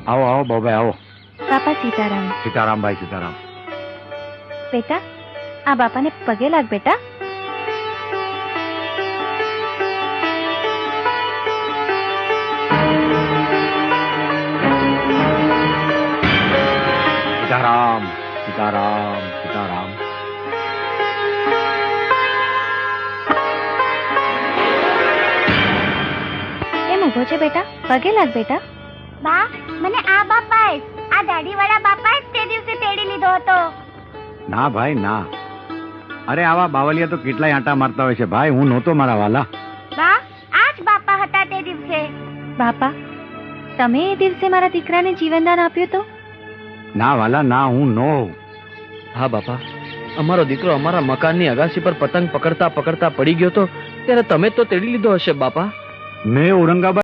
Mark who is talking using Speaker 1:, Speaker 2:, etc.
Speaker 1: આવો આવો બાબાઈ આવો.
Speaker 2: બાપા સીતારામ.
Speaker 1: સીતારામ ભાઈ સીતારામ.
Speaker 2: બેટા આ બાપાને પગે લાગ બેટા.
Speaker 1: સીતારામ સીતારામ સીતારામ.
Speaker 2: એમ ઉભો છે બેટા, પગે લાગ બેટા.
Speaker 3: બા મને આ બાપાએ આ દાઢીવાળા બાપાએ તે દિવસે તેડી લીધો હતો.
Speaker 1: ના ભાઈ ના. અરે આવા બાવલિયા તો કેટલાય આંટા મારતા હોય છે ભાઈ. હું નહોતો મારા વાલા.
Speaker 3: બા આ જ બાપા હતા તે દિવસે.
Speaker 2: બાપા તમે એ દિવસે મારા દીકરાને જીવનદાન આપ્યું તો?
Speaker 1: ના વાલા ના, હું નો.
Speaker 4: હા બાપા, અમારો દીકરો અમારા મકાનની અગાસી પર પતંગ પકડતા પકડતા પડી ગયો તો ત્યારે તમે તો તેડી લીધો હશે બાપા.
Speaker 1: મેં ઔરંગાબાદ